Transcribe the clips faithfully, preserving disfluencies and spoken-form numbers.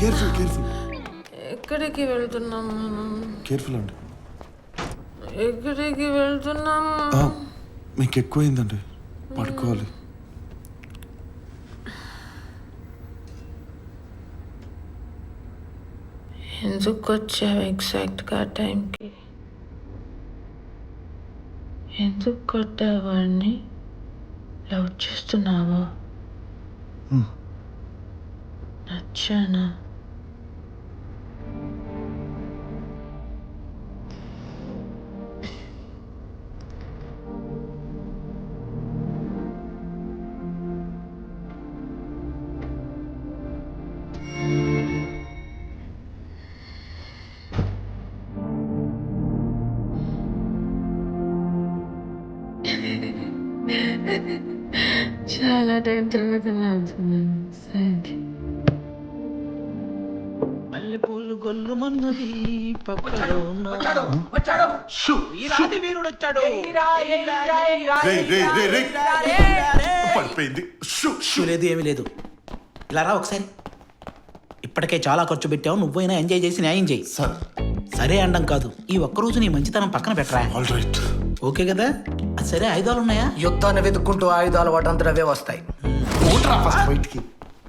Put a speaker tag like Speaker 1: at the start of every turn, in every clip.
Speaker 1: Careful careful
Speaker 2: ఎక్కడికి వెళ్తున్నాం మనం?
Speaker 1: కేర్ఫుల్ అండి.
Speaker 2: ఎక్కడికి వెళ్తున్నాం?
Speaker 1: మీకు ఎక్కువైందండి, పడుకోవాలి.
Speaker 2: ఎందుకు వచ్చావు ఎగ్జాక్ట్గా టైంకి? ఎందుకు కొట్టావాడిని? లవ్ చేస్తున్నావా? నచ్చానా? చాలా టైం తర్వాత
Speaker 3: మల్లెపూలు గొల్లుమన్నది పక్కలో
Speaker 1: పడిపోయింది.
Speaker 3: లేదు ఏమీ లేదు. ఇలా రా ఒకసారి. ఇప్పటికే చాలా ఖర్చు పెట్టావు, నువ్వైనా ఎంజాయ్ చేసి న్యాయం చేయి.
Speaker 1: సార్
Speaker 3: సరే అండం కాదు, ఈ ఒక్కరోజు నీ మంచితనం పక్కన పెట్టరా.
Speaker 1: All right.
Speaker 3: ఓకే కదా? సరే ఆయుధాలు ఉన్నాయా?
Speaker 4: యుద్ధాన్ని వెతుక్కుంటూ ఆయుధాలు వాటంతట అవే వస్తాయి.
Speaker 1: ఫస్ట్ బయటికి.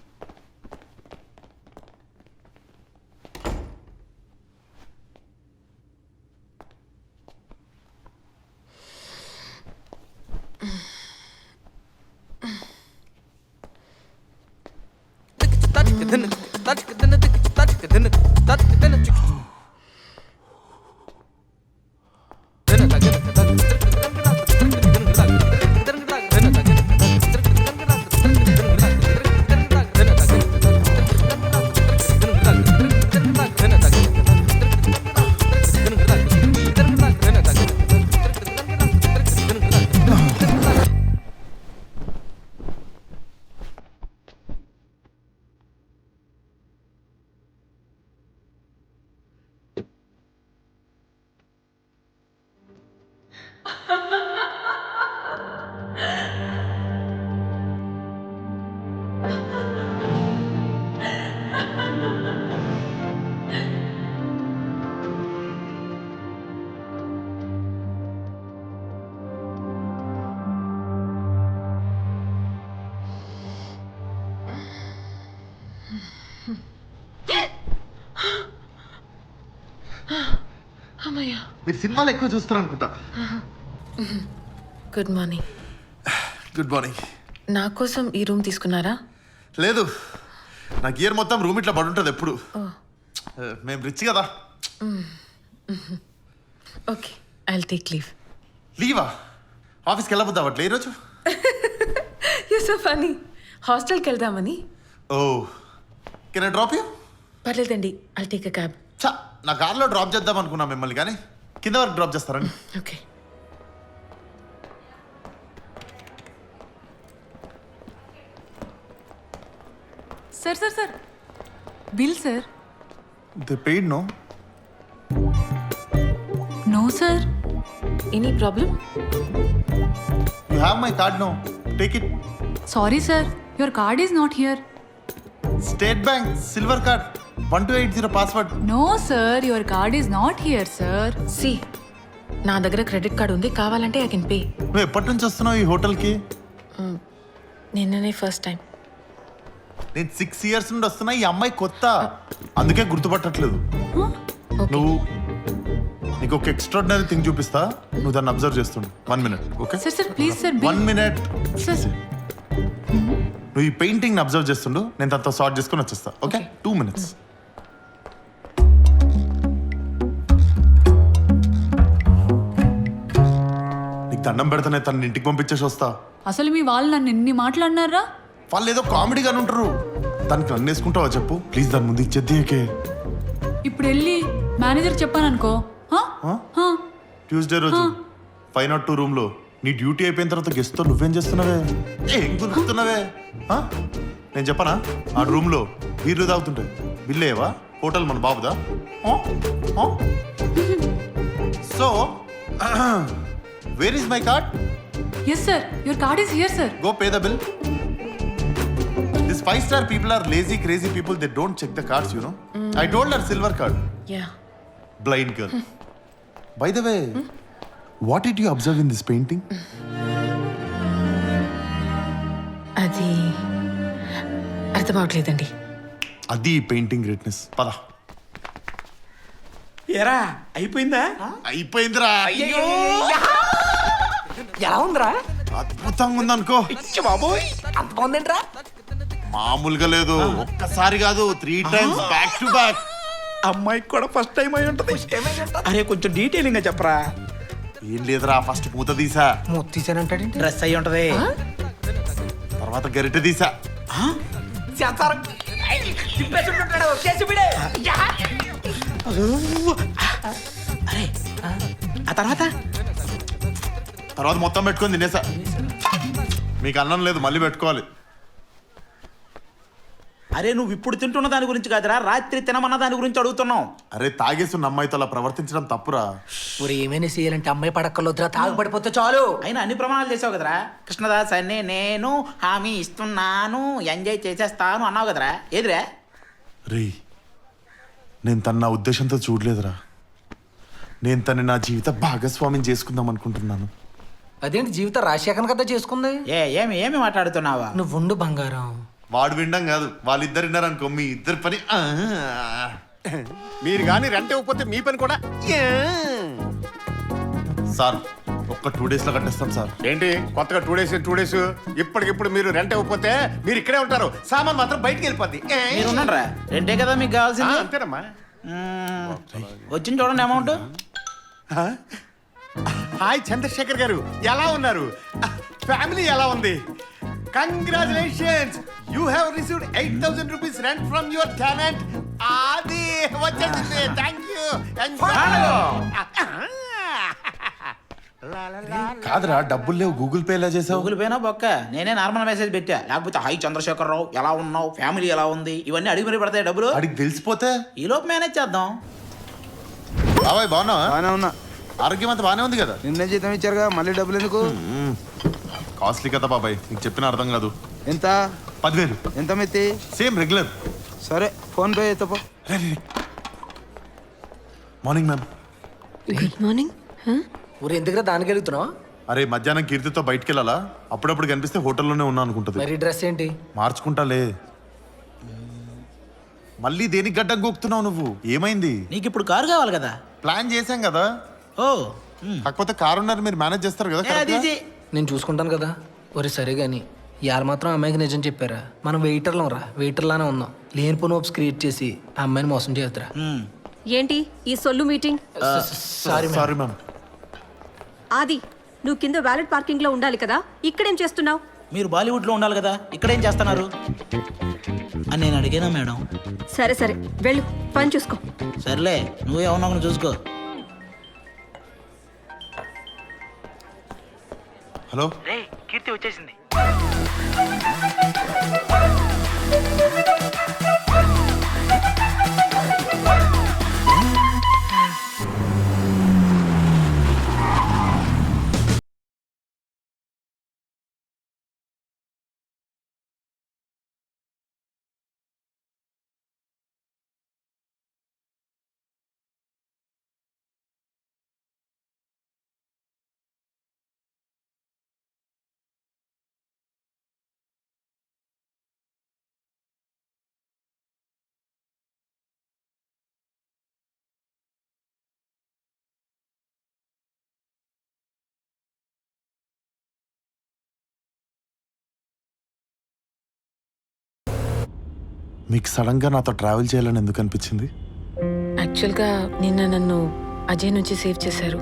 Speaker 2: అమ్మయ్యా,
Speaker 1: మీరు సినిమాలు ఎక్కువ చూస్తారు అనుకుంటా.
Speaker 2: Good morning.
Speaker 1: Good morning.
Speaker 2: నా కోసం ఈ రూమ్ తీసుకున్నారా?
Speaker 1: లేదు, నా గియర్ మొత్తం రూమ్ ఇట్లా పడుంటుంది ఎప్పుడు. మేము రిచ్ కదా.
Speaker 2: Okay, I'll take leave.
Speaker 1: లీవా? ఆఫీస్కి వెళ్ళబోద్దా అట్లా ఈరోజు?
Speaker 2: You so funny. హాస్టల్కి వెళ్దామని.
Speaker 1: Oh, can I drop you?
Speaker 2: పర్లేదండి, ఐల్ టేక్ అ క్యాబ్.
Speaker 1: చా, నా కార్లో డ్రాప్ చేద్దాం అనుకున్నా మిమ్మల్ని, కానీ కింద వరకు డ్రాప్ చేస్తారని.
Speaker 2: Okay.
Speaker 5: Sir sir sir bill sir.
Speaker 1: They paid no?
Speaker 5: No sir.
Speaker 2: Any problem?
Speaker 1: You have my card no, take it.
Speaker 5: Sorry sir, your card is not here.
Speaker 1: State bank silver card, one two eight zero password.
Speaker 5: No sir, your card is not here sir.
Speaker 2: సి, నా దగ్గర credit card ఉంది, కావాలంటే I can pay.
Speaker 1: నువ్వు ఎప్పటి నుంచి వస్తున్నావు ఈ హోటల్కి?
Speaker 2: నిన్ననే ఫస్ట్ టైం.
Speaker 1: నేను సిక్స్ ఇయర్స్ నుండి వస్తున్నా, ఈ అమ్మాయి కొత్త, అందుకే గుర్తుపట్టట్లేదు. నువ్వు నీకు ఒక ఎక్స్ట్రాడినరీ థింగ్ చూపిస్తా, నువ్వు దాన్ని అబ్జర్వ్ చేస్తుండు. One minute. Okay
Speaker 5: sir sir please sir.
Speaker 1: One minute.
Speaker 5: Sir
Speaker 1: నువ్వు ఈ పెయింటింగ్ అబ్జర్వ్ చేస్తుండు, నేను తనతో సార్ట్ చేసుకుని వచ్చేస్తా. Okay, two minutes. నీకు దండం పెడతానే, తన ఇంటికి పంపించేసి వస్తా.
Speaker 5: అసలు మీ వాళ్ళు నన్ను ఎన్ని మాట్లాడినారా?
Speaker 1: వాళ్ళు ఏదో కామెడీగానే ఉంటారు, దానికి నన్ను వేసుకుంటావా చెప్పు ప్లీజ్. దాని ముందు ఇచ్చేద్దే.
Speaker 5: ఇప్పుడు వెళ్ళి మేనేజర్ చెప్పాను అనుకో.
Speaker 1: ట్యూస్డే రోజు ఫైవ్ నాట్ టూ రూమ్ లో నీ డ్యూటీ అయిపోయిన తర్వాత గెస్ట్ తో నువ్వేం చేస్తున్నావే? ఏం గుర్తున్నావే? నేను చెప్పనా, ఆ రూమ్ లో బీర్లు తాగుతుంటాయి, బిల్లేవా? హోటల్ మన బాబుదా? So where is my card?
Speaker 5: Yes sir, your card is here sir.
Speaker 1: Go pay the bill. This five star people are lazy, crazy people. They don't check the cards, you know. I told her silver card.
Speaker 2: Yeah
Speaker 1: Blind girl. By the way, what did you observe in this painting?
Speaker 2: అది అర్థం అవట్లేదండి.
Speaker 1: అది painting greatness. పద.
Speaker 3: ఎరా అయిపోయిందా?
Speaker 1: అయిపోయిందిరా.
Speaker 4: ఎలా ఉందిరా?
Speaker 1: అద్భుతంగా ఉందనుకో.
Speaker 3: బాబోయ్
Speaker 4: అంత బాగుందేంట్రా?
Speaker 1: మామూలుగా లేదు. ఒక్కసారి కాదు, three times back to back.
Speaker 3: అమ్మాయికి కూడా ఫస్ట్ టైం అయి ఉంటది. అరే కొంచెం డీటెయిలింగ్ గా చెప్పరా.
Speaker 1: ఏం లేదురా, ఫస్ట్ పూత తీసా,
Speaker 4: మూత తీసానంటాడేంటి?
Speaker 3: డ్రెస్ అయి ఉంటది.
Speaker 1: తర్వాత గరిటె తీసా.
Speaker 3: అరే ఆ తర్వాత
Speaker 1: తర్వాత మొత్తం పెట్టుకొని తినేసా. మీకు అన్నం లేదు, మళ్ళీ పెట్టుకోవాలి.
Speaker 3: అరే నువ్వు ఇప్పుడు తింటున్న దాని గురించి కాదురా, రాత్రి తినమన్న దాని గురించి అడుగుతున్నావు.
Speaker 1: అరే తాగేస్తున్న అమ్మాయితో అలా ప్రవర్తించడం తప్పురా.
Speaker 4: ఊరు ఏమైనా చేయాలంటే అమ్మాయి పడక్కర్లొద్దురా, తాగుపడిపోతే చాలు.
Speaker 3: అయినా అన్ని ప్రమాణాలు చేసావు కదరా. కృష్ణదాస్ అన్ని నేను హామీ ఇస్తున్నాను, ఎంజాయ్ చేసేస్తాను అన్నావు కదరా. ఏదిరా?
Speaker 1: రే, నేను తన నా ఉద్దేశంతో చూడలేదురా. నేను తన నా జీవిత భాగస్వామ్యం చేసుకుందాం అనుకుంటున్నాను.
Speaker 4: అదేంటి జీవితం రాజశేఖర్ కదా చేసుకుంది?
Speaker 3: ఏ ఏమి ఏమి మాట్లాడుతున్నావా?
Speaker 4: నువ్వు ఉండు బంగారం.
Speaker 1: వాడు వినడం కాదు, వాళ్ళిద్దరు విన్నారనుకో, మీ ఇద్దరు పని ఆ.
Speaker 6: మీరు కానీ రెంట్ ఇవ్వకపోతే మీ పని కూడా యా.
Speaker 1: సార్ ఒక్క టూ డేస్ లో కట్టేస్తాం సార్.
Speaker 6: ఏంటి కొత్తగా టూ డేస్ టూ డేస్ ఇప్పటికిప్పుడు మీరు రెంట్ ఇవ్వకపోతే మీరు ఇక్కడే ఉంటారు, సామాన్ మాత్రం బయటికి వెళ్ళిపోద్ది. ఏ?
Speaker 3: మీరు ఉన్నారా? రెండే కదా మీకు
Speaker 6: ఆ,
Speaker 3: కావాల్సింది.
Speaker 6: అంతేనమ్మా.
Speaker 3: మ్మ్. వచ్చింది చూడండి అమౌంట్.
Speaker 6: ఆ? హాయ్ చంద్రశేఖర్ గారు, ఎలా ఉన్నారు? ఫ్యామిలీ ఎలా ఉంది? Congratulations, you have received eight thousand rupees rent from your tenant. అది వచ్చేసింది. Thank you.
Speaker 1: కాదురా, డబ్బులు లేవు, గూగుల్ పే ఎలా చేసావు?
Speaker 3: గూగుల్ పేనా బొక్క? నేనే నార్మల్ మెసేజ్ పెట్టా. లేకపోతే హై చంద్రశేఖర్ రావు ఎలా ఉన్నావు, ఫ్యామిలీ ఎలా ఉంది, ఇవన్నీ అడిగి మరి పడతాయి డబ్బులు.
Speaker 1: అడిగి తెలిసిపోతే
Speaker 3: ఈ లోపు మేనేజ్ చేద్దాం.
Speaker 1: బాబాయ్ బాగున్నావా?
Speaker 7: బానే ఉన్నా.
Speaker 1: ఆరోగ్యం అంతా బానే ఉంది కదా?
Speaker 7: నిన్నే జీతం ఇచ్చారుగా, మళ్ళీ డబ్బులు ఎందుకు?
Speaker 1: కాస్ట్లీ కదా బాబాయ్, నీకు చెప్పిన అర్థం కాదు.
Speaker 7: ఎంత?
Speaker 1: పదివేలు.
Speaker 7: ఎంత మెత్తి?
Speaker 1: Same regular.
Speaker 7: సరే ఫోన్ పే ఎత్తపో.
Speaker 1: Morning ma'am.
Speaker 8: Good morning.
Speaker 4: ఊరు ఎందుకురా దానికి వెళ్తున్నావు?
Speaker 1: అరే మధ్యాహ్నం కీర్తితో బయటికి వెళ్ళాలా, అప్పుడప్పుడు కనిపిస్తే హోటల్లోనే ఉన్నా అనుకుంటుంది.
Speaker 4: మరి డ్రెస్ ఏంటి?
Speaker 1: మార్చుకుంటాలే. మళ్ళీ దేనికి గడ్డం గోక్తున్నావు నువ్వు? ఏమైంది?
Speaker 3: నీకు ఇప్పుడు కారు కావాలి కదా.
Speaker 1: ప్లాన్ చేశాం కదా.
Speaker 3: ఓ
Speaker 1: కాకపోతే కారు ఉన్నారు, మీరు మేనేజ్ చేస్తారు కదా
Speaker 3: ఏ, అది
Speaker 1: correct గా?
Speaker 3: ఇది.
Speaker 4: నేను చూసుకుంటాను కదా. ఒరే సరే కానీ ఇవాళ మాత్రం అమ్మాయికి నిజం చెప్పారా? మనం వెయిటర్లం రా, వెయిటర్లానే ఉన్నాం. లేనిపోని హోప్స్ క్రియేట్ చేసి ఆ అమ్మాయిని మోసం చేయొద్దురా.
Speaker 3: మ్మ్.
Speaker 8: ఏంటి ఈ సొల్లు మీటింగ్?
Speaker 4: Sorry
Speaker 1: sorry ma'am.
Speaker 8: ఆది, నువ్వు కింద వ్యాలెట్ పార్కింగ్ లో ఉండాలి కదా, ఇక్కడేం చేస్తున్నావు?
Speaker 3: మీరు బాలీవుడ్లో ఉండాలి కదా, ఇక్కడేం చేస్తున్నారు అని నేను అడిగానా మేడం?
Speaker 8: సరే సరే వెళ్ళు, పని చూసుకో.
Speaker 3: సర్లే నువ్వే ఉన్నావు చూసుకో.
Speaker 1: హలో.
Speaker 3: కీర్తి వచ్చేసింది.
Speaker 1: మీకు సడన్ గా నాతో ట్రావెల్ చేయాలని ఎందుకు అనిపించింది?
Speaker 2: యాక్చువల్గా నిన్న నన్ను అజయ్ నుంచి సేవ్ చేశారు.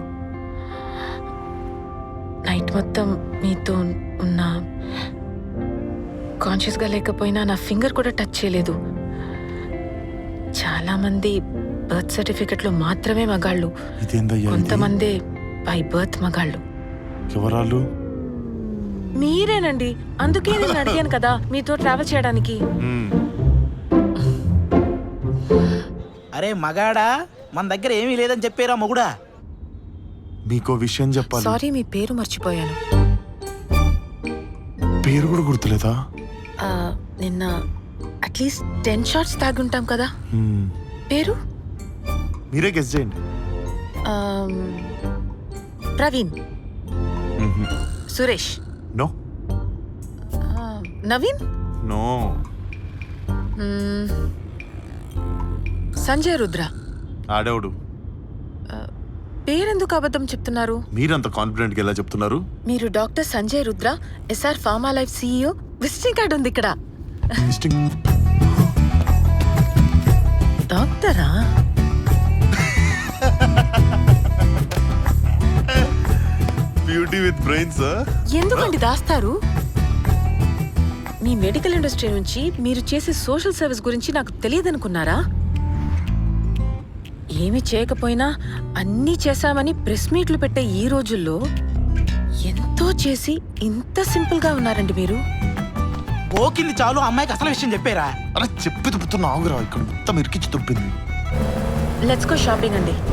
Speaker 2: నైట్ మొత్తం మీతో ఉన్న కాన్షియస్గా లేకపోయినా నా ఫింగర్ కూడా టచ్ చేయలేదు. చాలామంది బర్త్ సర్టిఫికెట్లో మాత్రమే మగాళ్ళు,
Speaker 1: ఇదేందయ్యా ఇది?
Speaker 2: కొంతమంది బై బర్త్ మగాళ్ళు.
Speaker 1: ఎవరాళ్ళు?
Speaker 2: మీరేనండి, అందుకే నేను అడిగాను కదా మీతో ట్రావెల్ చేయడానికి.
Speaker 1: మ్మ్.
Speaker 3: అరే మగాడా, మన దగ్గర ఏమీ లేదని చెప్పారా మొగుడా?
Speaker 1: మీకో విషయం చెప్పాలి.
Speaker 2: సారీ, మీ పేరు మర్చిపోయాను.
Speaker 1: పేరు కూడా గుర్తులేదా?
Speaker 2: ఆ, నిన్న అట్లీస్ట్ టెన్ షార్ట్స్ తాగుంటాం కదా. పేరు
Speaker 1: మీరే గెస్ చేయండి.
Speaker 2: ఆమ్, ప్రవీణ్, సురేష్,
Speaker 1: నో
Speaker 2: ఆ, నవీన్,
Speaker 1: నో
Speaker 2: మ్మ్, సంజయ్ రుద్ర.
Speaker 1: ఆడేవుడు.
Speaker 2: పేరెందుకు అబద్ధం చెప్తున్నారు?
Speaker 1: మీరంత కాన్ఫిడెంట్గా ఎలా చెప్తున్నారు?
Speaker 2: మీరు doctor Sanjay Rudra, SR pharma life CEO. Visiting card ఉంది ఇక్కడ. డాక్టరా?
Speaker 1: Beauty with brains.
Speaker 2: ఎందుకండి దాస్తారు? మీ మెడికల్ ఇండస్ట్రీ నుంచి మీరు చేసే సోషల్ సర్వీస్ గురించి నాకు తెలియదనుకున్నారా? ఏమి చేయకపోయినా అన్నీ చేశామని ప్రెస్ మీట్లు పెట్టే ఈ రోజుల్లో ఎంతో చేసి ఇంత సింపుల్ గా ఉన్నారండి మీరు.
Speaker 3: పోకింది చాలు, అమ్మాయికి అసలు విషయం చెప్పారా?
Speaker 1: అరే చెప్పి తుప్పుతున్నా ఆగురా, ఇక్కడ మొత్తం ఇరికిచ్చి తుప్పింది.
Speaker 2: లెట్స్ గో షాపింగ్ అండి.